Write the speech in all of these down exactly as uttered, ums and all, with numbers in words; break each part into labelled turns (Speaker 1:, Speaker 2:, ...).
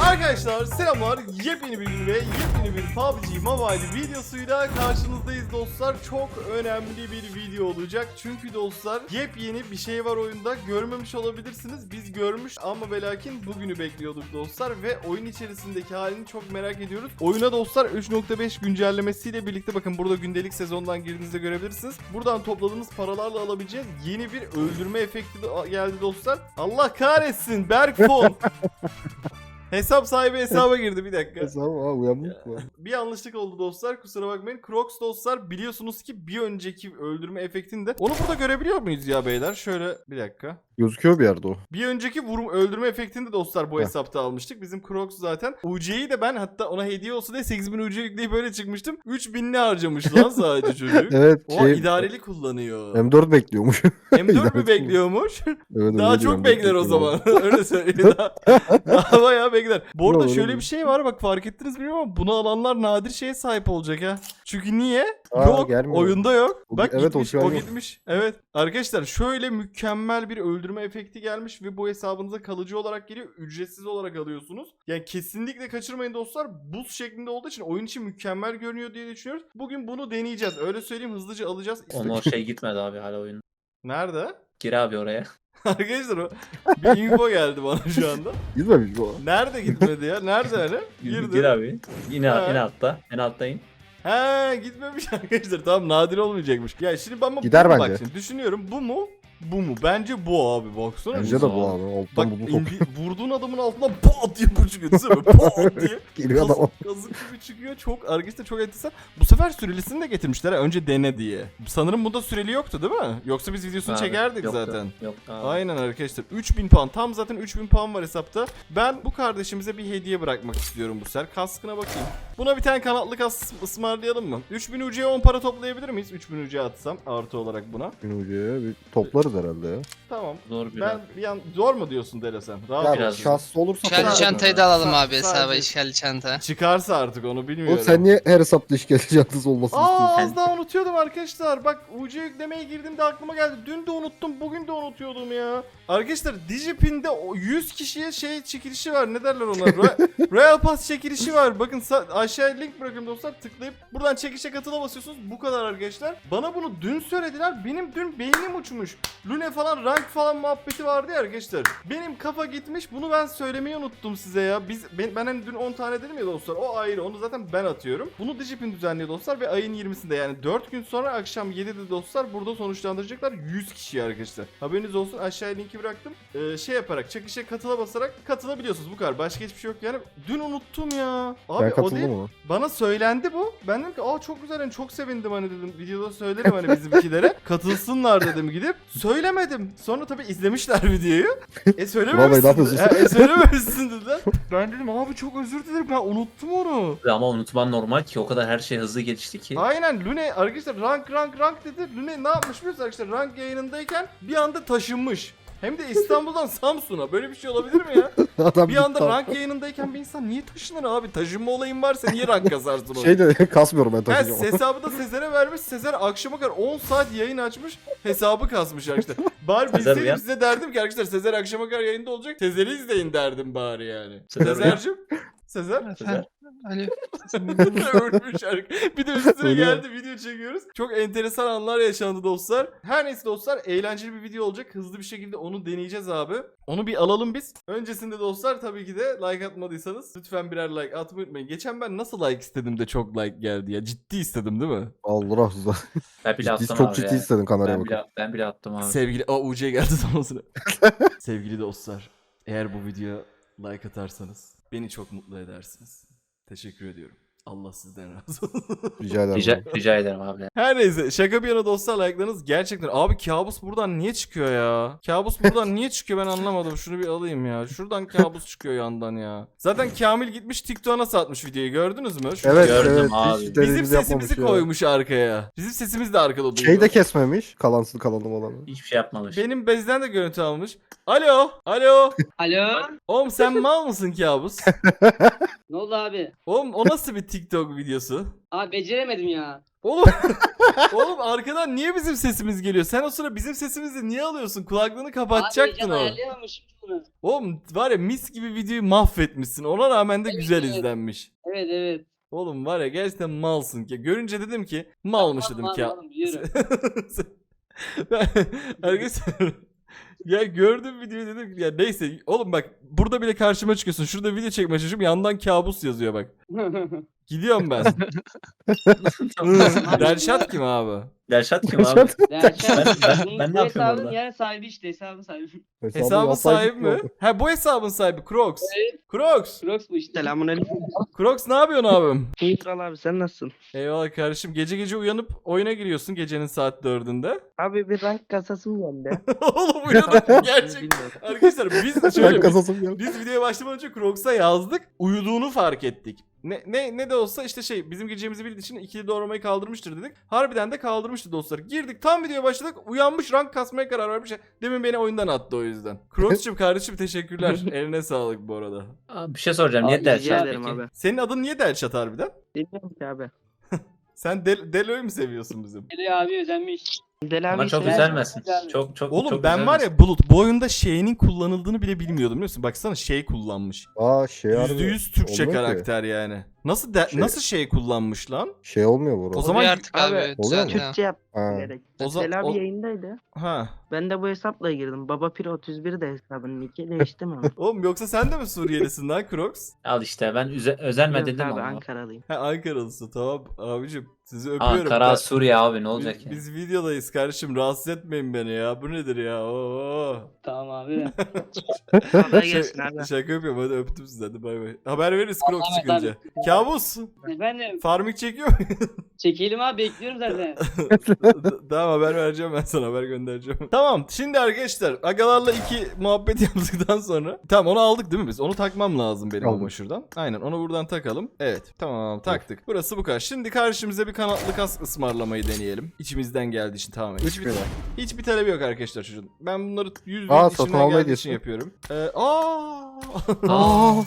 Speaker 1: Arkadaşlar selamlar, yepyeni bir gün ve yepyeni bir P U B G Mobile videosuyla karşınızdayız dostlar. Çok önemli bir video olacak çünkü dostlar yepyeni bir şey var oyunda, görmemiş olabilirsiniz. Biz görmüş ama ve lakin bugünü bekliyorduk dostlar ve oyun içerisindeki halini çok merak ediyoruz. Oyuna dostlar üç nokta beş güncellemesiyle birlikte bakın burada gündelik sezondan girdiğinizde görebilirsiniz. Buradan topladığınız paralarla alabileceğiniz yeni bir öldürme efekti de geldi dostlar. Allah kahretsin Berkfon. Hesap sahibi hesaba girdi, bir dakika.
Speaker 2: Hesabı aa uyanmış mı?
Speaker 1: Bir yanlışlık oldu dostlar, kusura bakmayın. Crocs dostlar biliyorsunuz ki bir önceki öldürme efektinde. Onu burada görebiliyor muyuz ya beyler? Şöyle bir dakika.
Speaker 2: Gözüküyor bir yerde o.
Speaker 1: Bir önceki vurum öldürme efektinde dostlar bu
Speaker 2: Heh.
Speaker 1: hesapta almıştık. Bizim Crocs zaten. U C'yi de ben hatta ona hediye olsun diye sekiz bin U C yükleyip böyle çıkmıştım. üç binli harcamış lan sadece çocuk.
Speaker 2: Evet.
Speaker 1: O
Speaker 2: Şey,
Speaker 1: idareli kullanıyor.
Speaker 2: M dört bekliyormuş.
Speaker 1: M dört mü
Speaker 2: İdareli
Speaker 1: bekliyormuş?
Speaker 2: Evet,
Speaker 1: Daha
Speaker 2: öyle
Speaker 1: çok
Speaker 2: diyorum,
Speaker 1: bekler o
Speaker 2: bekliyorum.
Speaker 1: zaman. Öyle söyleyeyim. Daha, daha bayağı bekler. Bu arada
Speaker 2: Yok,
Speaker 1: şöyle
Speaker 2: öyle
Speaker 1: bir şey var, bak fark ettiniz bilmiyorum ama bunu alanlar nadir şeye sahip olacak ha. Çünkü niye?
Speaker 2: Aa,
Speaker 1: yok.
Speaker 2: gelmiyor.
Speaker 1: Oyunda yok.
Speaker 2: O-
Speaker 1: Bak
Speaker 2: evet, o
Speaker 1: gitmiş.
Speaker 2: şu an
Speaker 1: O,
Speaker 2: yok.
Speaker 1: gitmiş. Evet. Arkadaşlar şöyle mükemmel bir öldürme efekti gelmiş ve bu hesabınıza kalıcı olarak geliyor. Ücretsiz olarak alıyorsunuz. Yani kesinlikle kaçırmayın dostlar. Buz şeklinde olduğu için oyun için mükemmel görünüyor diye düşünüyoruz. Bugün bunu deneyeceğiz. Öyle söyleyeyim, hızlıca alacağız.
Speaker 3: Onun o şey gitmedi abi hala oyun.
Speaker 1: Nerede?
Speaker 3: Gir abi oraya.
Speaker 1: Arkadaşlar o bir info geldi bana şu anda.
Speaker 2: Gitmemiş bu.
Speaker 1: Nerede gitmedi ya? Nerede hani?
Speaker 3: Gir,
Speaker 1: Girdi.
Speaker 3: abi. Yine
Speaker 1: Ha.
Speaker 3: en altta. En altta in.
Speaker 1: He gitmemiş arkadaşlar. Tamam, nadir olmayacakmış. Ya şimdi ben bu
Speaker 2: Gider
Speaker 1: bu mu?
Speaker 2: bence.
Speaker 1: Bak şimdi düşünüyorum, bu mu? Bu mu? Bence bu abi, baksana.
Speaker 2: Bence de
Speaker 3: Güzel.
Speaker 2: bu abi. Alttan
Speaker 1: Bak
Speaker 2: bunu top.
Speaker 1: indi, vurduğun adamın altından pat diye bu çıkıyor. Değil mi? Pat diye.
Speaker 2: Geliyor
Speaker 1: Kaz,
Speaker 2: adam.
Speaker 1: kazık gibi çıkıyor. Çok arkadaşlar çok enteresan. Bu sefer sürelisini de getirmişler ha, önce dene diye. Sanırım bunda süreli yoktu değil mi? Yoksa biz videosunu
Speaker 3: Abi,
Speaker 1: çekerdik
Speaker 3: yoktu,
Speaker 1: zaten.
Speaker 3: Yoktu abi.
Speaker 1: Aynen arkadaşlar, üç bin puan, tam zaten üç bin puan var hesapta. Ben bu kardeşimize bir hediye bırakmak istiyorum bu sefer. Kaskına bakayım. Buna bir tane kanatlı kask ısmarlayalım mı? üç bin U C'ye on para toplayabilir miyiz? üç bin U C atsam artı olarak buna.
Speaker 2: Gün ucuya bir toplarız herhalde ya.
Speaker 1: Tamam.
Speaker 3: Zor bir
Speaker 1: Ben bir an zor mu diyorsun Dere sen? Rahat
Speaker 2: Ya
Speaker 1: ol.
Speaker 3: biraz
Speaker 2: şanslı olursa
Speaker 1: İşgalli
Speaker 2: toplarız.
Speaker 4: İşgalli çantayı da alalım
Speaker 1: Sa-
Speaker 4: abi hesaba,
Speaker 1: sadece-
Speaker 4: işgalli çanta.
Speaker 1: Çıkarsa artık onu bilmiyorum.
Speaker 2: Oğlum sen niye her hesapta işgalci çantası olmasını
Speaker 1: Aa,
Speaker 2: istiyorsun?
Speaker 1: az daha unutuyordum arkadaşlar. Bak U C yüklemeye girdiğimde aklıma geldi. Dün de unuttum, bugün de unutuyordum ya. Arkadaşlar Digipin'de o yüz kişiye şey çekilişi var. Ne derler ona? Ro- Royal Pass çekilişi var. Bakın sa- aşağıya link bırakıyorum dostlar. Tıklayıp buradan çekişe katıla basıyorsunuz. Bu kadar arkadaşlar. Bana bunu dün söylediler. Benim dün beynim uçmuş. Lune falan, rank falan muhabbeti vardı ya arkadaşlar. Benim kafa gitmiş. Bunu ben söylemeyi unuttum size ya. Biz ben, ben hani dün on tane dedim ya dostlar. O ayrı. Onu zaten ben atıyorum. Bunu Digipin düzenliyor dostlar ve ayın yirmisinde yani dört gün sonra akşam yedide dostlar burada sonuçlandıracaklar yüz kişi arkadaşlar. Haberiniz olsun. Aşağıya linki bıraktım. Ee, şey yaparak, çekişe katıla basarak katılabiliyorsunuz. Bu kadar. Başka hiçbir şey yok yani. Dün unuttum ya. Abi
Speaker 2: Ben
Speaker 1: o
Speaker 2: katıldım
Speaker 1: değil.
Speaker 2: ona.
Speaker 1: Bana söylendi bu. Ben dedim ki aa çok güzel, hani çok sevindim hani dedim. Videoda söylerim hani bizimkilere. Katılsınlar dedim gidip. Söylemedim. Sonra tabii izlemişler videoyu. E
Speaker 2: Vallahi ne
Speaker 1: söylememişsin.
Speaker 2: yapıyorsun
Speaker 1: Ha, e söylememişsin dediler. Ben dedim abi çok özür dilerim, ben unuttum onu.
Speaker 3: Ama unutman normal ki o kadar her şey hızlı gelişti ki.
Speaker 1: Aynen, Lune arkadaşlar rank rank rank dedi. Lune ne yapmış biliyorsunuz arkadaşlar, rank yayınındayken bir anda taşınmış. Hem de İstanbul'dan Samsun'a. Böyle bir şey olabilir mi ya?
Speaker 2: Adam
Speaker 1: Bir anda
Speaker 2: gitti.
Speaker 1: rank yayınındayken bir insan niye taşınır abi? Taşınma olayın varsa niye rank kazarsın onu?
Speaker 2: Şey de kasmıyorum ben
Speaker 1: Ha,
Speaker 2: taşıyacağım.
Speaker 1: hesabı da Sezer'e vermiş. Sezer akşama kadar on saat yayın açmış. Hesabı kasmış arkadaşlar. Bari
Speaker 3: Sezer
Speaker 1: bilseydim
Speaker 3: uyan.
Speaker 1: size derdim ki arkadaşlar Sezer akşama kadar yayında olacak. Sezer'i izleyin derdim bari yani.
Speaker 3: Sezer uyan.
Speaker 1: Sezer'cim. Sezer.
Speaker 3: Sezer.
Speaker 4: Alo.
Speaker 1: Ölmüş arkadaşlar. Bir de üstüne
Speaker 2: Ölüyor.
Speaker 1: geldi, video çekiyoruz. Çok enteresan anlar yaşandı dostlar. Her neyse dostlar, eğlenceli bir video olacak. Hızlı bir şekilde onu deneyeceğiz abi. Onu bir alalım biz. Öncesinde dostlar tabii ki de like atmadıysanız lütfen birer like atmayı unutmayın. Geçen ben nasıl like istedim de çok like geldi ya. Ciddi istedim değil mi?
Speaker 2: Allah razı
Speaker 3: Ben bile attım
Speaker 2: Çok
Speaker 3: abi
Speaker 2: ciddi
Speaker 3: ya.
Speaker 2: istedim kameraya
Speaker 3: Ben
Speaker 2: bakın.
Speaker 3: bile, ben bile attım abi.
Speaker 1: Sevgili... Aa U C geldi tam o sıra. Sevgili dostlar, eğer bu videoya like atarsanız beni çok mutlu edersiniz. Teşekkür ediyorum. Allah sizden razı olsun.
Speaker 2: Rica ederim.
Speaker 3: Rica, rica ederim abi.
Speaker 1: Her neyse, şaka bir yana dostlar, like'larınız gerçekten... Abi kabus buradan niye çıkıyor ya? Kabus buradan niye çıkıyor ben anlamadım. Şunu bir alayım ya. Şuradan kabus çıkıyor yandan ya. Zaten Kamil gitmiş TikTok'a satmış videoyu, gördünüz mü? Şu-
Speaker 2: Evet
Speaker 3: Gördüm
Speaker 2: evet.
Speaker 3: abi.
Speaker 2: Hiç
Speaker 1: Bizim
Speaker 2: dediğimizi yapmamış
Speaker 1: sesimizi
Speaker 2: ya.
Speaker 1: koymuş arkaya. Bizim sesimiz de arkada duyuyor.
Speaker 2: Şey de kesmemiş. Kalansız kalalım olanı.
Speaker 3: Hiçbir şey yapmamış.
Speaker 1: Benim bezden de görüntü almış. Alo, alo.
Speaker 4: Alo.
Speaker 1: Oğlum sen mal mısın kabus?
Speaker 4: Ne oldu abi?
Speaker 1: Oğlum o nasıl bir TikTok videosu?
Speaker 4: Abi beceremedim ya.
Speaker 1: Oğlum oğlum arkadan niye bizim sesimiz geliyor? Sen o sıra bizim sesimizi niye alıyorsun? Kulaklığını
Speaker 4: Abi
Speaker 1: kapatacaktın
Speaker 4: heyecan
Speaker 1: o.
Speaker 4: ayarlayamamışım bunu.
Speaker 1: Oğlum var ya mis gibi videoyu mahvetmişsin. Ona rağmen de
Speaker 4: Evet,
Speaker 1: güzel
Speaker 4: evet.
Speaker 1: izlenmiş.
Speaker 4: Evet evet.
Speaker 1: Oğlum var ya gerçekten malsın ki. Görünce dedim ki malmış
Speaker 4: Tamam,
Speaker 1: dedim ki.
Speaker 4: tamam, tamam, biliyorum.
Speaker 1: Ben- Arkadaşlar ya gördüm videoyu dedim ki ya neyse oğlum bak burada bile karşıma çıkıyorsun. Şurada video çekmeye çalışıyorum yandan kabus yazıyor bak. Gidiyorum ben. Delşat kim abi?
Speaker 3: Delşat kim abi?
Speaker 4: Derken
Speaker 3: Ben- ben-
Speaker 4: bunun-
Speaker 3: ben ne
Speaker 4: bu
Speaker 3: yapıyorum
Speaker 4: hesabın
Speaker 3: orada?
Speaker 4: yani sahibi işte hesabın sahibi.
Speaker 1: Hesabın
Speaker 2: yapay
Speaker 1: sahibi
Speaker 2: zeka
Speaker 1: mi?
Speaker 2: oldu.
Speaker 1: Ha bu hesabın sahibi Crocs.
Speaker 4: Evet.
Speaker 1: Crocs.
Speaker 4: Crocs bu işte.
Speaker 5: Selamünaleyküm.
Speaker 1: Crocs ne yapıyorsun abim?
Speaker 5: İyi kral abi sen nasılsın?
Speaker 1: Eyvallah kardeşim. Gece gece uyanıp oyuna giriyorsun gecenin saat dördünde.
Speaker 5: Abi bir rank kasasım geldi.
Speaker 1: Oğlum uyanıp gerçek.
Speaker 5: Bilmiyorum.
Speaker 1: Arkadaşlar biz
Speaker 2: Ben
Speaker 1: şöyle biz,
Speaker 2: kasasım geldi.
Speaker 1: biz videoya başlamadan önce Crocs'a yazdık. Uyuduğunu fark ettik. Ne, ne ne de olsa işte şey bizim gireceğimizi bildiği için ikili doğramayı kaldırmıştır dedik. Harbiden de kaldırmıştı dostlar. Girdik tam videoya başladık. Uyanmış rank kasmaya karar vermiş. Demin beni oyundan attı o yüzden. Crocs'cum kardeşim teşekkürler. Eline sağlık bu arada.
Speaker 3: Abi bir şey soracağım. Niye
Speaker 4: Abi,
Speaker 5: Rica
Speaker 3: Delşat
Speaker 5: ederim
Speaker 3: peki?
Speaker 5: abi.
Speaker 1: Senin adın niye Delşat harbiden?
Speaker 5: Bilmiyorum ki abi.
Speaker 1: Sen Del Delo'yu mu seviyorsun bizim?
Speaker 4: Deli abi özenmiş.
Speaker 5: Deli
Speaker 3: Ama
Speaker 5: abi
Speaker 3: çok
Speaker 5: şey-
Speaker 3: üzülmesin.
Speaker 4: Güzel.
Speaker 3: Çok çok
Speaker 1: Oğlum
Speaker 3: çok
Speaker 1: ben var
Speaker 3: üzülmesin.
Speaker 1: ya Bulut bu oyunda şeyinin kullanıldığını bile bilmiyordum biliyor musun? Baksana şey kullanmış.
Speaker 2: Aa şey
Speaker 1: yüzde
Speaker 2: harbi
Speaker 1: yüz Türkçe
Speaker 2: olmuyor ki.
Speaker 1: karakter yani. Nasıl de-
Speaker 2: Şey-
Speaker 1: nasıl şey kullanmış lan?
Speaker 2: Şey olmuyor bu
Speaker 1: O
Speaker 2: arada.
Speaker 1: zaman
Speaker 6: Oluyor artık abi.
Speaker 5: Abi,
Speaker 2: oluyor mu?
Speaker 6: düzenli.
Speaker 5: Türkçe yap
Speaker 2: Ha.
Speaker 5: gerek.
Speaker 1: O za-
Speaker 5: Deli abi
Speaker 1: o-
Speaker 5: yayındaydı.
Speaker 1: Ha.
Speaker 5: Ben de bu hesapla girdim. Baba Pir otuz bir de hesabın nicki değiştim ama.
Speaker 1: Oğlum yoksa sen de mi Suriyelisin lan Crocs?
Speaker 3: Al işte ben üze, özenme
Speaker 5: Yok
Speaker 3: dedim
Speaker 5: abi
Speaker 3: ama.
Speaker 5: Ankaralıyım.
Speaker 1: Ha Ankaralısın tamam abicim. Sizi öpüyorum.
Speaker 3: Ankara
Speaker 1: Ben-
Speaker 3: Suriye abi ne olacak
Speaker 1: biz,
Speaker 3: ya?
Speaker 1: biz videodayız kardeşim rahatsız etmeyin beni ya. Bu nedir ya? Oo.
Speaker 4: Tamam abi.
Speaker 5: Kolay gelsin abi.
Speaker 1: Şaka yapıyorum hadi öptüm sizi hadi bay bay. Haber veririz Crocs
Speaker 4: Allah'a
Speaker 1: çıkınca.
Speaker 4: emanet.
Speaker 1: Kabus.
Speaker 4: Efendim
Speaker 1: Farming çekiyor mu?
Speaker 4: çekelim abi bekliyorum zaten.
Speaker 1: Tamam haber vereceğim ben sana haber göndereceğim. Tamam şimdi arkadaşlar agalarla iki muhabbet yaptıktan sonra. Tamam onu aldık değil mi biz? Onu takmam lazım benim
Speaker 2: Aldım.
Speaker 1: ama şuradan. Aynen onu buradan takalım. Evet tamam taktık. Burası bu kadar. Şimdi karşımıza bir kanatlı kask ısmarlamayı deneyelim. İçimizden geldiği için tamamen.
Speaker 2: Üç
Speaker 1: Hiçbir,
Speaker 2: lira.
Speaker 1: hiçbir talebi yok arkadaşlar çocuğun. Ben bunları yüz yüz
Speaker 2: Aa, satın
Speaker 1: içimden
Speaker 2: alma
Speaker 1: geldiği
Speaker 2: hediyesi.
Speaker 1: için yapıyorum. Ee, aa.
Speaker 3: Aa,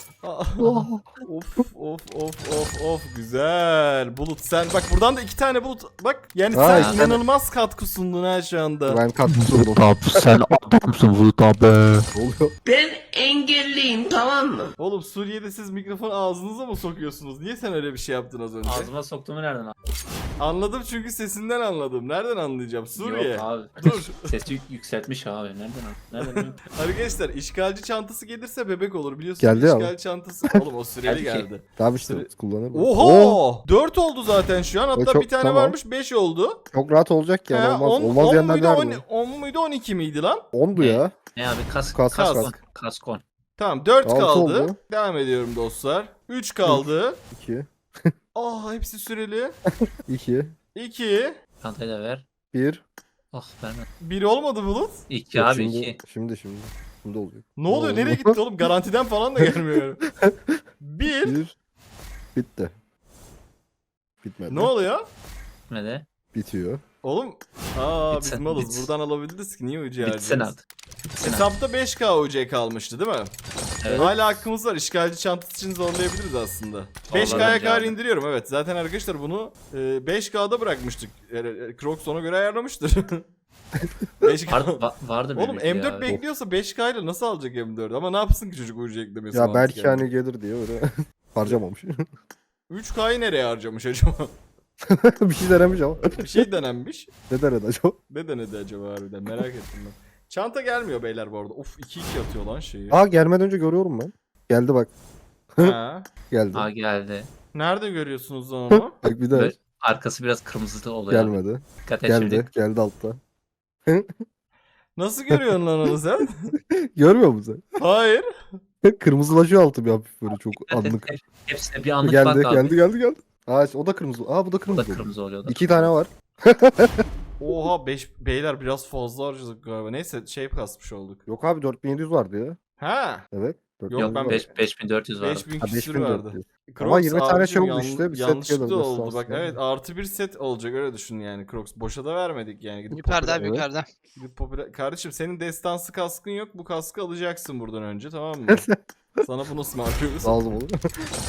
Speaker 1: of of of of of güzel. Bulut sen bak buradan da iki tane bulut bak yani
Speaker 2: Aa,
Speaker 1: sen
Speaker 2: iki tane.
Speaker 1: inanılmaz katkı sundun ha şu anda.
Speaker 2: Ben katkı sundum.
Speaker 3: abi sen adamsın Bulut abi.
Speaker 2: Ne oluyor?
Speaker 7: Ben engelliyim tamam mı?
Speaker 1: Oğlum Suriye'de siz mikrofonu ağzınıza mı sokuyorsunuz? Niye sen öyle bir şey yaptın az önce?
Speaker 3: Ağzıma soktuğumu nereden aldın?
Speaker 1: Anladım çünkü sesinden anladım. Nereden anlayacağım? Suriye.
Speaker 3: Yok abi.
Speaker 1: Dur.
Speaker 3: Sesi yük- yükseltmiş abi. Nereden aldın? Nereden aldın?
Speaker 1: Arkadaşlar işgalci çantası gelirse bebek olur biliyorsunuz.
Speaker 2: Geldi ya.
Speaker 1: İşgalci çantası. Oğlum o Suriyeli
Speaker 3: Geldi ki.
Speaker 1: geldi.
Speaker 2: Tamam işte
Speaker 1: Süre-
Speaker 2: kullanır mı?
Speaker 1: Oho! dört oldu zaten şu an.
Speaker 2: O
Speaker 1: Hatta
Speaker 2: çok-
Speaker 1: bir tane
Speaker 2: tamam.
Speaker 1: varmış beş oldu.
Speaker 2: Çok rahat olacak yani
Speaker 1: Ha,
Speaker 2: olmaz.
Speaker 1: on-
Speaker 2: olmaz
Speaker 1: on
Speaker 2: diyenler
Speaker 1: muydu,
Speaker 2: var
Speaker 1: on-
Speaker 2: mı?
Speaker 1: on muydu on iki miydi lan?
Speaker 2: ondu ya.
Speaker 3: Ne abi kask
Speaker 2: Kask
Speaker 1: Kask.
Speaker 2: kask.
Speaker 3: kaskon.
Speaker 1: Tamam dört
Speaker 2: Altı
Speaker 1: kaldı.
Speaker 2: oldu.
Speaker 1: Devam ediyorum dostlar. üç kaldı.
Speaker 2: iki.
Speaker 1: Aa hepsi süreli.
Speaker 2: iki.
Speaker 1: iki.
Speaker 3: Çantayı da ver.
Speaker 2: bir.
Speaker 3: Oh verme.
Speaker 1: bir olmadı Bulut.
Speaker 3: İki
Speaker 2: Yok,
Speaker 3: abi
Speaker 2: şimdi,
Speaker 3: iki.
Speaker 2: Şimdi şimdi. Şimdi olacak.
Speaker 1: Ne oluyor?
Speaker 2: oldu?
Speaker 1: Nereye gitti oğlum? Garantiden falan da gelmiyor. bir.
Speaker 2: Bir. Bitti. Bitmedi.
Speaker 1: Ne oluyor?
Speaker 3: Ne de?
Speaker 2: Bitiyor.
Speaker 1: Oğlum. Aa biz
Speaker 3: Bitsin,
Speaker 1: malız.
Speaker 3: bitsin.
Speaker 1: Buradan alabildiniz ki niye ucu
Speaker 3: Bitsin
Speaker 1: harcıyoruz?
Speaker 3: artık. Bitsin artık.
Speaker 1: Hesapta beş K U C kalmıştı değil mi?
Speaker 3: Evet.
Speaker 1: Hala hakkımız var. İşgalci çantası için zorlayabiliriz aslında. beş K'ya
Speaker 3: bence
Speaker 1: kadar
Speaker 3: abi.
Speaker 1: indiriyorum evet. Zaten arkadaşlar bunu e, beş K'da bırakmıştık. Yani, e, Crocs ona göre ayarlamıştır. beş K.
Speaker 3: Var, va- vardı
Speaker 1: Oğlum
Speaker 3: böyle bir
Speaker 1: M dört
Speaker 3: ya.
Speaker 1: bekliyorsa beş K ile nasıl alacak M dört? Ama ne yapsın ki çocuk U C eklemesi
Speaker 2: Ya
Speaker 1: mantıken?
Speaker 2: belki hani gelir diye öyle harcamamış.
Speaker 1: üç K'yı nereye harcamış acaba?
Speaker 2: Bir şey denemiş ama.
Speaker 1: Bir şey denenmiş.
Speaker 2: Ne denedi acaba?
Speaker 1: Ne denedi acaba harbiden merak ettim ben. Çanta gelmiyor beyler bu arada. Uf iki iki atıyor lan şeyi.
Speaker 2: Aa gelmeden önce görüyorum ben. Geldi bak.
Speaker 1: Ha.
Speaker 2: Geldi.
Speaker 3: Aa geldi.
Speaker 1: Nerede görüyorsunuz lan onu?
Speaker 2: Bak bir daha.
Speaker 3: Böyle arkası biraz kırmızı oluyor. abi.
Speaker 2: Gelmedi.
Speaker 3: Dikkat et
Speaker 2: Geldi.
Speaker 3: şimdi.
Speaker 2: Geldi altta.
Speaker 1: Nasıl görüyorsun lan onu sen?
Speaker 2: Görmüyor musun
Speaker 1: Hayır.
Speaker 2: sen? Kırmızılaşıyor altı bir hafif böyle çok
Speaker 3: Dikkat et.
Speaker 2: anlık.
Speaker 3: Hepsine bir anlık
Speaker 2: Geldi
Speaker 3: bak abi.
Speaker 2: geldi geldi geldi. Aa o da kırmızı. Aa bu da
Speaker 3: O da
Speaker 2: kırmızı. oldu.
Speaker 3: kırmızı oluyor. o da
Speaker 2: İki
Speaker 3: kırmızı.
Speaker 2: tane var.
Speaker 1: Oha beş beyler biraz fazla harcadık galiba. Neyse şey kasmış olduk.
Speaker 2: Yok abi dört bin yedi yüz vardı ya.
Speaker 1: Ha.
Speaker 2: Evet.
Speaker 1: Yok,
Speaker 3: Yok
Speaker 1: ben
Speaker 3: ben beş bin dört yüz vardı.
Speaker 1: beş bin
Speaker 2: Ha,
Speaker 1: küsür
Speaker 2: beş bin dört
Speaker 1: vardı.
Speaker 2: yüz.
Speaker 1: Crocs
Speaker 2: Ama yirmi tane
Speaker 1: abicim
Speaker 2: şey oldu
Speaker 1: yan-
Speaker 2: işte, bir set
Speaker 1: yanlışlıkla
Speaker 2: gelir
Speaker 1: oldu
Speaker 2: aslında.
Speaker 1: bak evet artı bir set olacak öyle düşün yani Crocs. Boşa da vermedik yani. Gidip
Speaker 6: Yukarıda
Speaker 1: popüler-
Speaker 6: abi
Speaker 2: Evet.
Speaker 6: yukarıda.
Speaker 1: gidip popüler- Kardeşim senin destansı kaskın yok bu kaskı alacaksın buradan önce tamam mı? Sana bunu ısmarlıyoruz.
Speaker 2: Lazım olur.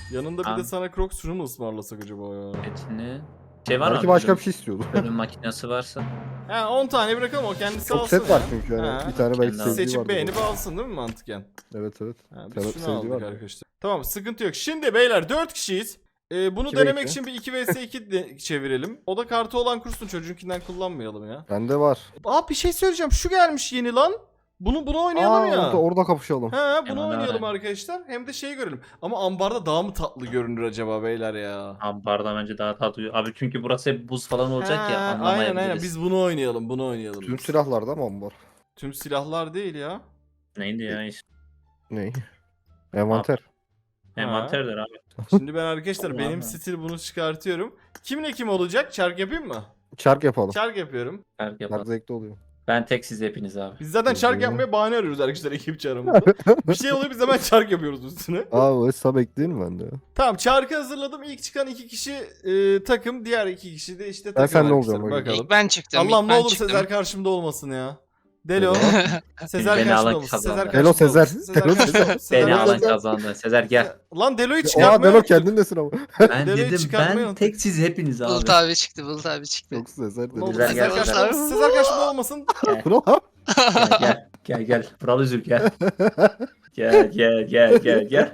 Speaker 1: Yanında bir de
Speaker 3: Tamam.
Speaker 1: sana Crocs şunu mu ısmarlasak acaba ya?
Speaker 3: Etini. Şey var mı?
Speaker 2: Belki başka
Speaker 3: Bölüm-
Speaker 2: bir şey istiyordu.
Speaker 3: Bölüm makinesi varsa.
Speaker 1: He on tane bırakalım o kendisi
Speaker 2: Çok
Speaker 1: alsın
Speaker 2: set var
Speaker 1: ya.
Speaker 2: çünkü yani.
Speaker 1: Ha.
Speaker 2: Bir tane belki
Speaker 3: Kendi
Speaker 2: sevdiği
Speaker 1: Seçip
Speaker 2: vardı.
Speaker 1: beğenip alsın değil mi mantıken?
Speaker 2: Evet evet.
Speaker 1: Ha,
Speaker 2: Tabii,
Speaker 1: biz şunu
Speaker 2: sevdiği
Speaker 1: aldık
Speaker 2: var.
Speaker 1: arkadaşlar. Tamam sıkıntı yok. Şimdi beyler dört kişiyiz. Ee, bunu
Speaker 2: iki ve
Speaker 1: denemek
Speaker 2: iki.
Speaker 1: için bir iki vs iki de çevirelim. O da kartı olan kursun çocuğunkinden kullanmayalım ya.
Speaker 2: Bende var.
Speaker 1: Aa bir şey söyleyeceğim. Şu gelmiş yeni lan. Bunu bunu oynayalım
Speaker 2: Aa,
Speaker 1: ya.
Speaker 2: Orada, orada kapışalım.
Speaker 1: He bunu
Speaker 3: Hemen
Speaker 1: oynayalım
Speaker 3: öyle.
Speaker 1: arkadaşlar. Hem de şeyi görelim. Ama ambarda daha mı tatlı görünür acaba beyler ya?
Speaker 3: Ambarda bence daha tatlı. Abi çünkü burası hep buz falan olacak
Speaker 1: He,
Speaker 3: ya
Speaker 1: aynen
Speaker 3: anlamayabiliriz.
Speaker 1: aynen biz bunu oynayalım bunu oynayalım.
Speaker 2: Tüm
Speaker 1: biz.
Speaker 2: silahlarda mı ambar?
Speaker 1: Tüm silahlar değil ya.
Speaker 3: Neydi ya iş?
Speaker 2: Ney? Envanter.
Speaker 3: Envanterdir abi.
Speaker 1: Şimdi ben arkadaşlar
Speaker 3: Allah
Speaker 1: benim
Speaker 3: Allah.
Speaker 1: stil bunu çıkartıyorum. Kimle kim olacak? Çark yapayım mı?
Speaker 2: Çark yapalım.
Speaker 1: Çark yapıyorum.
Speaker 3: Fark
Speaker 2: Çark
Speaker 3: yapalım.
Speaker 2: zevkli oluyor.
Speaker 3: Ben tek siz hepiniz abi.
Speaker 1: Biz zaten çark
Speaker 2: Hı hı.
Speaker 1: yapmaya bahane arıyoruz arkadaşlar ekip çarımızda. Bir şey oluyor biz hemen çark yapıyoruz üstüne.
Speaker 2: Aa o hesap ekleyeyim mi bende ya?
Speaker 1: Tamam çarkı hazırladım. İlk çıkan iki kişi e, takım. Diğer iki kişi de işte
Speaker 2: Ben
Speaker 1: takım.
Speaker 2: seninle
Speaker 1: arkadaşlar.
Speaker 2: olacağım,
Speaker 1: Bakalım.
Speaker 6: İlk ben çıktım.
Speaker 1: Allah'ım
Speaker 6: ilk
Speaker 1: ne
Speaker 6: ben
Speaker 1: olur
Speaker 6: çıktım.
Speaker 1: Sezer karşımda olmasın ya. Delo. Sezer
Speaker 3: Beni
Speaker 1: karşımda
Speaker 3: alan
Speaker 1: olmasın.
Speaker 3: kazandı.
Speaker 1: Sezer
Speaker 2: Delo
Speaker 1: karşımda
Speaker 2: Sezer.
Speaker 1: olmasın. Sezer
Speaker 2: Delo
Speaker 1: karşımda olmasın. Sezer
Speaker 3: Beni
Speaker 1: karşımda
Speaker 3: alan
Speaker 1: olmasın.
Speaker 3: kazandı. Sezer gel.
Speaker 1: Lan Delo'yu
Speaker 2: Oha
Speaker 1: çıkartmaya
Speaker 2: Delo
Speaker 1: unuttuk.
Speaker 2: kendindesin ama.
Speaker 3: Ben
Speaker 1: Delo'yu
Speaker 3: dedim
Speaker 1: çıkartmayı
Speaker 3: ben
Speaker 1: unuttuk.
Speaker 3: tek siz hepiniz abi.
Speaker 6: Bulut abi çıktı. Bulut abi çıktı.
Speaker 2: Çok sezer
Speaker 1: Ne olur
Speaker 2: Delo.
Speaker 3: Güzel,
Speaker 1: Sezer
Speaker 3: gel,
Speaker 1: karşımda
Speaker 6: güzel.
Speaker 1: olmasın. Sezer karşımda olmasın.
Speaker 2: Bro.
Speaker 3: Gel gel gel gel. Vural Üzül gel. Gel gel gel gel gel.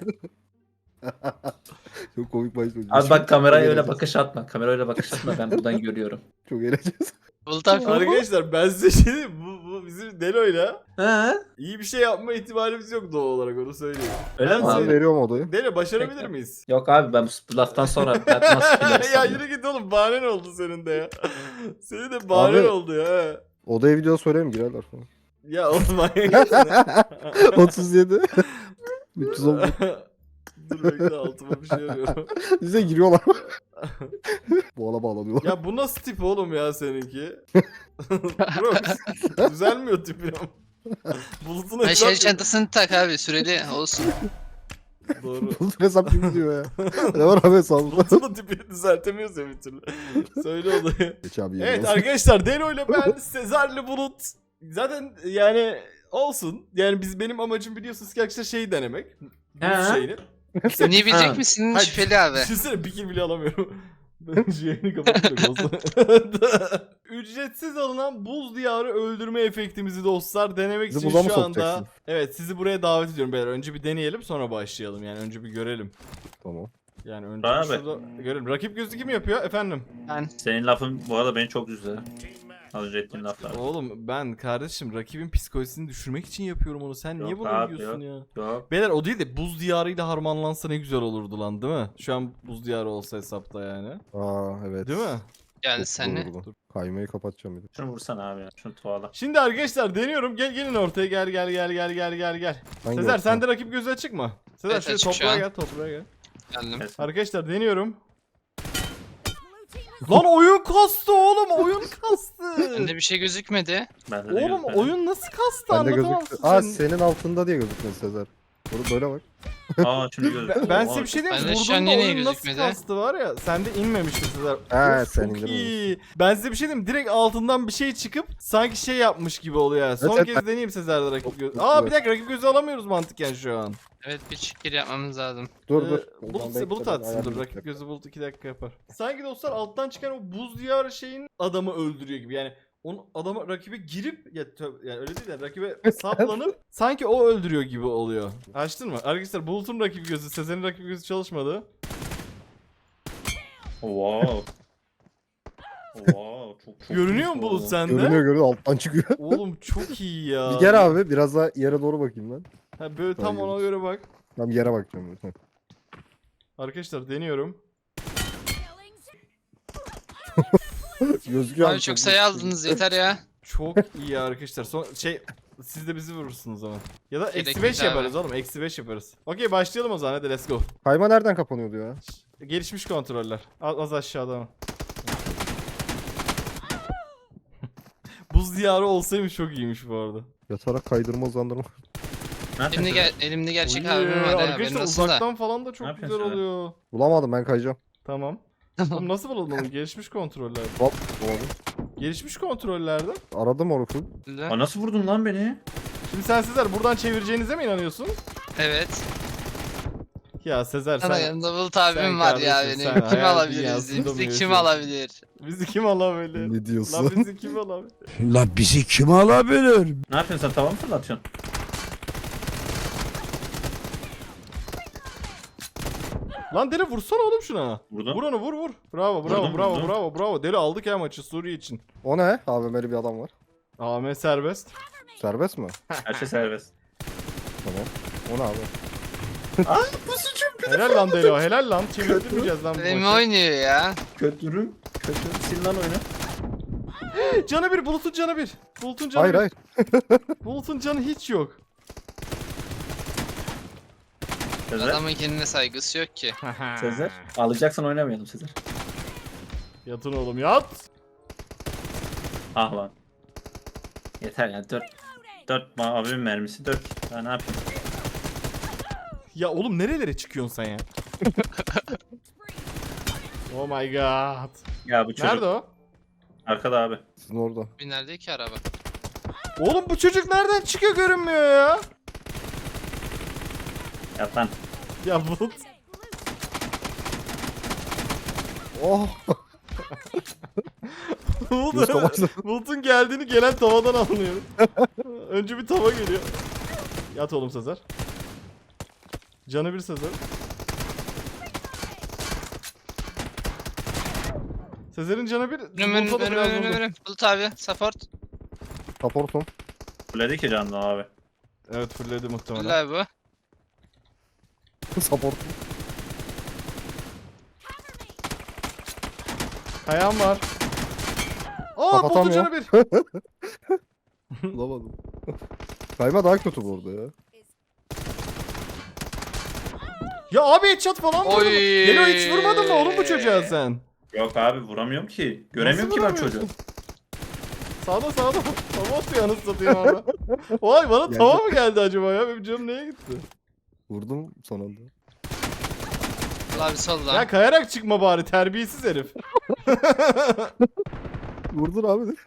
Speaker 2: Çok komik başlıyor.
Speaker 3: Abi bak kameraya öyle
Speaker 2: eğleneceğiz.
Speaker 3: bakış atma. Kameraya öyle bakış atma. Ben buradan görüyorum.
Speaker 2: Çok eğleneceğiz.
Speaker 6: Bulut abi.
Speaker 1: Arkadaşlar ben size şey diyeyim. Bu, bu bizim Delo'yla
Speaker 3: He?
Speaker 1: iyi bir şey yapma ihtimalimiz yok doğal olarak onu söyleyeyim.
Speaker 3: Öyle
Speaker 1: Ben
Speaker 3: mi
Speaker 2: Ben
Speaker 1: seni-
Speaker 3: abi?
Speaker 2: veriyorum odayı.
Speaker 1: Delo başarabilir
Speaker 3: Peki.
Speaker 1: miyiz?
Speaker 3: Yok abi ben bu laftan sonra ben nasıl
Speaker 1: ya
Speaker 3: bilersem.
Speaker 1: yürü git oğlum bahanen oldu senin de ya. Senin de bahanen
Speaker 2: Abi-
Speaker 1: oldu ya.
Speaker 2: Odaya video söyleyeyim girerler falan.
Speaker 1: Ya oğlum manyak mısın?
Speaker 2: otuz yedi. üç yüz on.
Speaker 1: Dur bekle altıma bir şey arıyorum.
Speaker 2: Bize giriyorlar. Bu ala bağlanıyorlar.
Speaker 1: Ya bu nasıl tip oğlum ya seninki? Bro düzelmiyor tipin ama. Bulutun
Speaker 6: Ay şey
Speaker 1: hesap...
Speaker 6: çantasını tak abi süreli olsun.
Speaker 1: Doğru.
Speaker 2: Bulut hesap gibi diyor ya. Ne var abi hesabında?
Speaker 1: Bulutun da tipini düzeltemiyoruz ya bir türlü. Söyle olayı.
Speaker 2: Geç abi
Speaker 1: Evet
Speaker 2: yerine.
Speaker 1: arkadaşlar Delo ile ben Sezar'la Bulut. Zaten yani olsun. Yani biz benim amacım biliyorsunuz ki arkadaşlar şeyi denemek. Bu
Speaker 3: He.
Speaker 1: şeyini.
Speaker 6: Oynayabilecek
Speaker 3: Ha.
Speaker 6: misin
Speaker 1: Hayır,
Speaker 6: şüpheli abi.
Speaker 1: Düşünsene bir kill bile alamıyorum. Ben şu yayını kapatacak olsa. Ücretsiz alınan buz diyarı öldürme efektimizi dostlar denemek
Speaker 2: Bizi
Speaker 1: için
Speaker 2: buza mı
Speaker 1: şu anda.
Speaker 2: sokacaksın?
Speaker 1: Evet sizi buraya davet ediyorum beyler. Önce bir deneyelim sonra başlayalım. Yani önce bir görelim.
Speaker 2: Tamam.
Speaker 1: Yani önce
Speaker 3: Abi.
Speaker 1: bir şurada görelim. Rakip gözü kim yapıyor efendim?
Speaker 6: Ben.
Speaker 3: Senin lafın bu arada beni çok üzdü. Az önce ettiğin laflar.
Speaker 1: Oğlum ben kardeşim rakibin psikolojisini düşürmek için yapıyorum onu. Sen niye
Speaker 3: Yok
Speaker 1: bunu
Speaker 3: abi,
Speaker 1: diyorsun ya?
Speaker 3: Yok.
Speaker 1: Beyler o değil de buz diyarıyla harmanlansa ne güzel olurdu lan değil mi? Şu an buz diyarı olsa hesapta yani.
Speaker 2: Aa evet.
Speaker 1: Değil mi?
Speaker 6: Yani
Speaker 2: Çok
Speaker 6: sen ne?
Speaker 2: olurdu. Kaymayı kapatacağım bir de.
Speaker 3: Şunu vursana abi ya. Şunu tuvala.
Speaker 1: Şimdi arkadaşlar deniyorum. Gel gelin ortaya gel gel gel gel gel gel gel.
Speaker 2: Hangi
Speaker 1: Sezer
Speaker 2: olsun?
Speaker 1: sen de rakip gözü açık mı? Sezer
Speaker 6: Evet,
Speaker 1: şöyle
Speaker 6: açık şu
Speaker 1: toprağa
Speaker 6: an.
Speaker 1: gel toprağa gel.
Speaker 6: Geldim.
Speaker 3: Evet.
Speaker 1: Arkadaşlar deniyorum. Lan oyun kastı oğlum oyun kastı.
Speaker 6: Bende bir şey gözükmedi.
Speaker 3: Bende de
Speaker 1: Oğlum
Speaker 3: gözükmedi.
Speaker 1: oyun nasıl kastı
Speaker 2: Bende
Speaker 1: anlatamam
Speaker 2: gözüktü.
Speaker 1: size.
Speaker 2: Aa senin altında diye gözükmedi Sezer. Bunu böyle bak.
Speaker 3: Aa şimdi gözüküyor.
Speaker 1: Ben, ben size bir şey diyeyim mi?
Speaker 6: Bende şu an
Speaker 1: Vurduğumda
Speaker 6: yine
Speaker 1: oyun nasıl
Speaker 6: gözükmedi.
Speaker 1: kastı var ya. Sende inmemişti Sezer.
Speaker 2: Ha,
Speaker 1: Of,
Speaker 2: sen
Speaker 1: çok
Speaker 2: indirmemişsin.
Speaker 1: iyi. Ben size bir şey diyeyim mi? Direkt altından bir şey çıkıp sanki şey yapmış gibi oluyor ya. Son
Speaker 2: Evet,
Speaker 1: kez
Speaker 2: evet.
Speaker 1: deneyeyim Sezer'de rakip
Speaker 2: Çok
Speaker 1: gözü.
Speaker 2: güzel.
Speaker 1: Aa bir dakika rakip gözü alamıyoruz mantıken şu an.
Speaker 6: Evet bir çıkır yapmamız lazım.
Speaker 2: Dur
Speaker 1: Ee,
Speaker 2: dur.
Speaker 1: Bulut,
Speaker 2: Oradan
Speaker 1: bulut
Speaker 2: bekle,
Speaker 1: atsın dur.
Speaker 2: ayarlayayım.
Speaker 1: Rakip gözü bulut iki dakika yapar. Sanki dostlar alttan çıkan o buz diyarı şeyin adamı öldürüyor gibi. Yani onu adama rakibe girip ya tö- yani öyle değil de rakibe saplanıp sanki o öldürüyor gibi oluyor. Açtın mı? Arkadaşlar Bulut'un rakip gözü, Sezer'in rakip gözü çalışmadı.
Speaker 3: Wow. Wow çok çok.
Speaker 1: Görünüyor mu
Speaker 3: iyi
Speaker 1: Bulut
Speaker 3: oldu.
Speaker 1: sende?
Speaker 2: Görünüyor görünüyor alttan çıkıyor.
Speaker 1: Oğlum çok iyi ya.
Speaker 2: Bir gel abi biraz daha yere doğru bakayım ben.
Speaker 1: Ha, böyle tam
Speaker 2: Hayır.
Speaker 1: ona göre bak.
Speaker 2: Tam yere bakacağım. Heh.
Speaker 1: Arkadaşlar deniyorum.
Speaker 2: Gözüküyor
Speaker 6: Abi çok sayı aldınız yeter ya.
Speaker 1: Çok iyi arkadaşlar. Son şey siz de bizi vurursunuz ama. Ya da
Speaker 6: Gerek
Speaker 1: eksi beş
Speaker 6: yok abi.
Speaker 1: yaparız oğlum. Eksi beş yaparız. Okey başlayalım o zaman hadi let's go.
Speaker 2: Kayma nereden kapanıyordu ya?
Speaker 1: Gelişmiş kontroller. Az, az aşağıda ama. Buz diyarı olsaymış çok iyiymiş bu arada.
Speaker 2: Yatarak kaydırma uzandırma.
Speaker 3: Ne
Speaker 6: Elimde,
Speaker 3: yapıyorsun?
Speaker 6: gel elimde gerçek
Speaker 1: Oy,
Speaker 6: abim var ya.
Speaker 1: Arkadaşlar
Speaker 6: Benim nasıl da.
Speaker 1: uzaktan falan da
Speaker 3: Ne
Speaker 1: çok güzel
Speaker 3: yapıyorsun öyle?
Speaker 1: oluyor.
Speaker 2: Bulamadım ben kayacağım.
Speaker 1: Tamam. Oğlum nasıl bulalım onu? Gelişmiş kontroller.
Speaker 2: Hop bulamadım.
Speaker 1: Gelişmiş kontrollerde.
Speaker 2: Aradım onu full.
Speaker 3: Aa, nasıl vurdun lan beni?
Speaker 1: Şimdi sen sizler buradan çevireceğinize mi inanıyorsun?
Speaker 6: Evet.
Speaker 1: Ya Sezer
Speaker 6: Sana
Speaker 1: sen
Speaker 6: yanımda Bulut abim
Speaker 1: sen
Speaker 6: var ya
Speaker 1: kardeşim,
Speaker 6: benim.
Speaker 1: sen
Speaker 6: Kim
Speaker 1: hayal
Speaker 6: alabilir
Speaker 1: dünyasında
Speaker 6: bizi?
Speaker 1: mı
Speaker 6: Bizi kim
Speaker 1: yaşıyorsun?
Speaker 6: alabilir?
Speaker 1: bizi kim alabilir?
Speaker 2: Ne
Speaker 1: Lan
Speaker 2: diyorsun?
Speaker 1: bizi kim alabilir?
Speaker 8: La bizi kim alabilir?
Speaker 3: Ne yapıyorsun sen, tava mı fırlatıyorsun?
Speaker 1: Lan Deli vursana oğlum şuna.
Speaker 3: Vurdum.
Speaker 1: Vur onu vur vur. Bravo bravo
Speaker 3: Vurdum,
Speaker 1: bravo
Speaker 3: vurdum.
Speaker 1: bravo bravo. Deli aldık ya maçı Suriye için.
Speaker 2: O ne? A V M'li bir adam var.
Speaker 1: A M serbest.
Speaker 2: Serbest mi?
Speaker 3: Her şey serbest.
Speaker 2: Tamam. O ne abi?
Speaker 1: Helal lan Deli o helal lan. Çevirtmeyeceğiz lan bu
Speaker 6: Benim
Speaker 1: maçı.
Speaker 6: oynuyor ya.
Speaker 3: Kötürüm. Kötü. Sil lan oyunu.
Speaker 1: Canı bir Bulut'un canı bir. Bulut'un canı
Speaker 2: Hayır
Speaker 1: bir.
Speaker 2: hayır.
Speaker 1: Bulut'un canı hiç yok.
Speaker 3: Sezer.
Speaker 6: Adamın kendine saygısı yok ki.
Speaker 3: Sezer. Alacaksan oynamayalım Sezer.
Speaker 1: Yatın oğlum yat.
Speaker 3: Ah lan. Yeter ya, dört. Dört abimin mermisi dört. Daha ne yapayım?
Speaker 1: Ya oğlum nerelere çıkıyorsun sen ya? Oh my god.
Speaker 3: Ya bu çocuk.
Speaker 1: Nerede o?
Speaker 3: Arkada abi.
Speaker 2: Sizin orada.
Speaker 6: Bir nerede ki araba?
Speaker 1: Oğlum bu çocuk nereden çıkıyor görünmüyor ya.
Speaker 3: Yat lan.
Speaker 1: Ya Bulut.
Speaker 2: Oh. Göz
Speaker 1: Bulut.
Speaker 2: kamaştı.
Speaker 1: Bulut'un geldiğini gelen tavadan anlıyorum. Önce bir tava geliyor. Yat oğlum Sezer. Canı bir Sezer. Sezer'in canı bir.
Speaker 6: Önüm önüm
Speaker 1: Bulut'a da
Speaker 6: önüm
Speaker 1: biraz
Speaker 6: önüm
Speaker 1: vurdu.
Speaker 6: önüm. Bulut abi support.
Speaker 2: Supportum.
Speaker 3: Fulledik ki canlı abi.
Speaker 1: Evet fulledi muhtemelen.
Speaker 6: Bulut abi bu.
Speaker 2: Supportum.
Speaker 1: Kayan var. Aa Bulut'un
Speaker 2: Kapatamıyor.
Speaker 1: canı bir.
Speaker 2: Bulamadım. Kayma daha kötü bu arada ya.
Speaker 1: Ya abi headshot falan vurdum.
Speaker 6: Oy.
Speaker 1: Delo hiç vurmadın mı oğlum bu çocuğa sen?
Speaker 3: Yok abi, vuramıyorum ki. Göremiyorum
Speaker 1: Nasıl
Speaker 3: ki ben
Speaker 1: vuramıyorsun?
Speaker 3: çocuğu.
Speaker 1: Sağda sağda. Tava atıyor anasını satayım abi. Vay bana
Speaker 2: Geldi.
Speaker 1: tava mı geldi acaba ya? Benim canım neye gitti?
Speaker 2: Vurdum son anda.
Speaker 6: Bulut abi solda.
Speaker 1: Ya kayarak çıkma bari terbiyesiz herif.
Speaker 2: Vurdun abi de.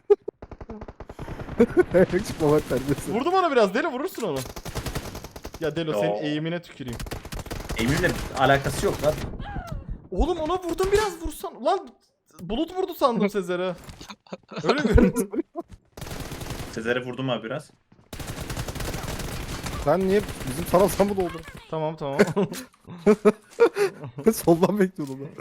Speaker 2: Ayak çıkmamak terbiyesi.
Speaker 1: Vurdum ona biraz. Deli vurursun onu. Ya Delo senin
Speaker 3: Yo.
Speaker 1: eğimine tüküreyim.
Speaker 3: Emir'le alakası yok lan.
Speaker 1: Oğlum ona vurdum biraz vursan. Lan Bulut vurdu sandım Sezer'e. Öyle göründü.
Speaker 3: Sezer'e vurdum abi biraz.
Speaker 2: Sen niye bizim taraftan mı doldun?
Speaker 1: Tamam tamam.
Speaker 2: Soldan bekliyordum ben.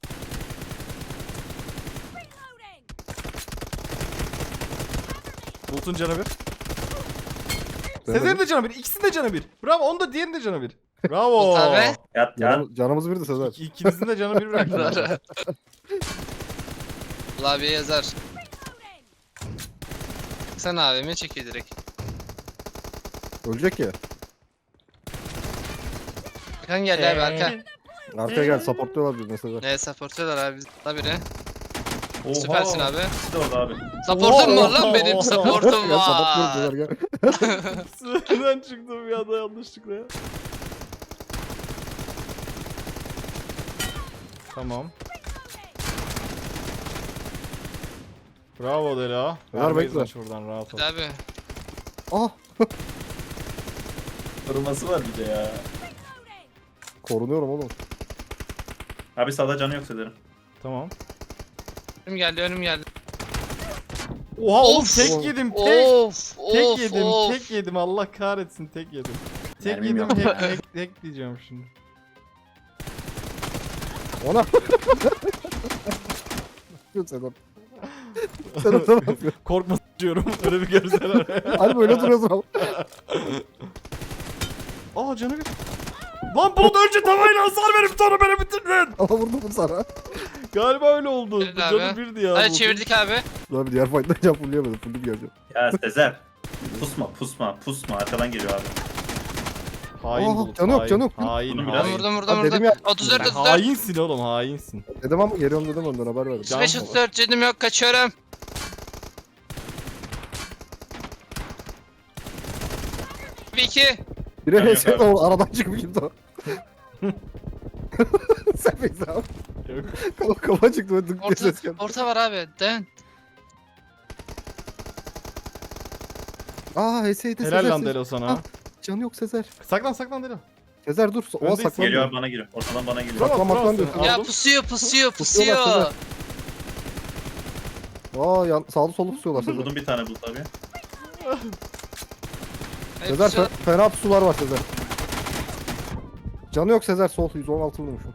Speaker 1: Bulut'un canı bir. Sezer'in de canı bir. İkisinin de canı bir. Bravo. Onun da diğerinin de canı bir. Bravo.
Speaker 6: Bulut abi.
Speaker 3: Yat yat.
Speaker 2: Canım, canımız birdi Sezer.
Speaker 1: İki- İkinizin de canı bir bıraktım.
Speaker 6: Bulut abi yazar. Sen abimi çekiyor direkt.
Speaker 2: Ölecek ya.
Speaker 6: Kan geldi abi arka.
Speaker 2: Arkaya gel supportluyorlar bizi Sezer.
Speaker 6: Ne supportuyorlar abi. La biri.
Speaker 3: Oha.
Speaker 6: Süpersin abi.
Speaker 3: İkisi de orada abi.
Speaker 6: Supportum var lan
Speaker 1: Oha.
Speaker 6: benim. Supportum
Speaker 2: Gel
Speaker 6: var.
Speaker 2: supportluyoruz Sezer gel.
Speaker 1: Süreden çıktım bir anda yanlışlıkla ya. Tamam. Bravo Dela.
Speaker 2: Ver,
Speaker 1: Vermeyiz
Speaker 2: bekle.
Speaker 1: lan şuradan rahat ol.
Speaker 6: Hadi abi.
Speaker 2: Ah.
Speaker 3: Koruması var bir de ya.
Speaker 2: Korunuyorum oğlum.
Speaker 3: Abi sağda canı yok Sezer'in.
Speaker 1: Tamam.
Speaker 6: Önüm geldi önüm geldi.
Speaker 1: Oha oğlum
Speaker 6: Of.
Speaker 1: tek yedim tek.
Speaker 6: Of
Speaker 1: Tek
Speaker 6: of
Speaker 1: yedim
Speaker 6: of.
Speaker 1: tek yedim Allah kahretsin tek yedim. Tek
Speaker 3: Mermim
Speaker 1: yedim
Speaker 3: yok.
Speaker 1: tek, tek, tek diyeceğim şimdi.
Speaker 2: Ona. Sezer. Sen orada ne yapıyorsun?
Speaker 1: Korkma diyorum öyle bir görseler.
Speaker 2: Hani böyle duruyorsun ama.
Speaker 1: Aa canı bir. Lan Bulut önce tavayla hasar verip sonra beni bitirdin.
Speaker 2: Ama vurdum mu sana?
Speaker 1: Galiba öyle oldu.
Speaker 6: Evet
Speaker 1: Canı
Speaker 6: abi.
Speaker 1: birdi ya.
Speaker 6: Hadi
Speaker 1: Bulut'un.
Speaker 6: çevirdik abi.
Speaker 2: Abi diğer fight'tan can fullleyemedim. Fulllüm geleceğim.
Speaker 3: Ya Sezer. Pusma pusma pusma, arkadan geliyor abi.
Speaker 1: Hain
Speaker 2: Aa,
Speaker 1: Bulut.
Speaker 2: canı yok,
Speaker 1: hain,
Speaker 2: canı yok.
Speaker 1: Hain,
Speaker 3: Vurdum
Speaker 1: hain.
Speaker 3: biraz.
Speaker 6: Vurdum vurdum
Speaker 2: Abi dedim
Speaker 6: vurdum.
Speaker 2: ya-
Speaker 6: otuz dört
Speaker 1: Sen
Speaker 6: otuz dört.
Speaker 1: hainsin oğlum hainsin.
Speaker 2: Dedim ama geliyorum dedim ondan haber verdim.
Speaker 6: otuz beş otuz dört cedim yok kaçıyorum. Bir iki.
Speaker 2: Biri
Speaker 3: Yok,
Speaker 2: H S'de
Speaker 3: yok.
Speaker 2: o aradan çıkıp kimdi o? Sen bekle abi.
Speaker 1: Yok.
Speaker 2: Kafa, kafa çıktı ve dık diye
Speaker 6: Orta,
Speaker 2: ses geldi.
Speaker 6: orta var abi. Den.
Speaker 2: Aa H S'ydi Sezer.
Speaker 1: Helal lan
Speaker 2: Sezer.
Speaker 1: Delo sana.
Speaker 2: Ah. Canı yok Sezer.
Speaker 1: Saklan saklan Delo.
Speaker 2: Sezer dur. Oha
Speaker 1: Öndeyiz.
Speaker 2: saklan.
Speaker 3: Geliyor bana giriyor. Ortadan bana giriyor.
Speaker 1: Tamam,
Speaker 2: Saklanmak
Speaker 1: tamam,
Speaker 2: lan
Speaker 1: sen
Speaker 6: Ya
Speaker 1: aldım.
Speaker 6: pusuyor pusuyor
Speaker 2: Pusuyorlar
Speaker 6: pusuyor.
Speaker 2: Aa yan, sağlı sollu tutuyorlar Sezer.
Speaker 3: Vurdum bir tane bu tabii.
Speaker 6: Hayır,
Speaker 2: Sezer
Speaker 6: pusuyor.
Speaker 2: fe- fena pusular var Sezer. Canı yok Sezer sol yüz on altı vurmuşum.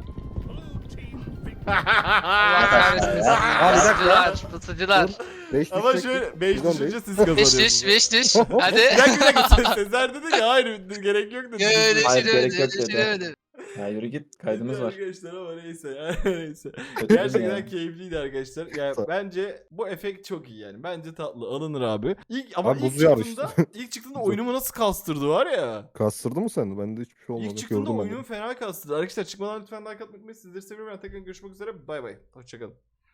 Speaker 6: Allah kahretsin.
Speaker 2: Aa, bir dakika.
Speaker 6: Pusucular pusucular.
Speaker 2: beş
Speaker 1: Ama
Speaker 2: düşecek.
Speaker 1: şöyle beş
Speaker 2: Bizon
Speaker 1: düşünce
Speaker 2: değil.
Speaker 1: siz
Speaker 6: Beş
Speaker 1: kazanıyorsunuz.
Speaker 6: düş beş düş. Hadi.
Speaker 1: Bir dakika bir dakika Se- Sezer dedi ya hayır gerek yok dedi.
Speaker 6: Öyle
Speaker 3: Hayır,
Speaker 6: şey
Speaker 3: gerek
Speaker 6: öyle
Speaker 3: yok
Speaker 6: öyle
Speaker 3: dedi.
Speaker 6: şey öyle.
Speaker 3: Ya yürü git kaydımız var.
Speaker 1: Arkadaşlar ama neyse ya neyse.
Speaker 3: Kötü
Speaker 1: Gerçekten
Speaker 3: ya.
Speaker 1: keyifliydi arkadaşlar. Yani
Speaker 2: Tamam.
Speaker 1: bence bu efekt çok iyi yani. Bence tatlı alınır abi. İlk ama
Speaker 2: Abi
Speaker 1: ilk
Speaker 2: buz yağar
Speaker 1: çıktığında ilk çıktığında oyunumu nasıl kastırdı var ya.
Speaker 2: Kastırdı mı sende? Bende hiçbir şey olmadı.
Speaker 1: İlk çıktığında
Speaker 2: Gördüm ben de.
Speaker 1: oyunumu fena kastırdı. Arkadaşlar çıkmadan lütfen like atmayı unutmayın. Sizleri seviyorum. Ben tekrar görüşmek üzere. Bay bay. Hoşçakalın.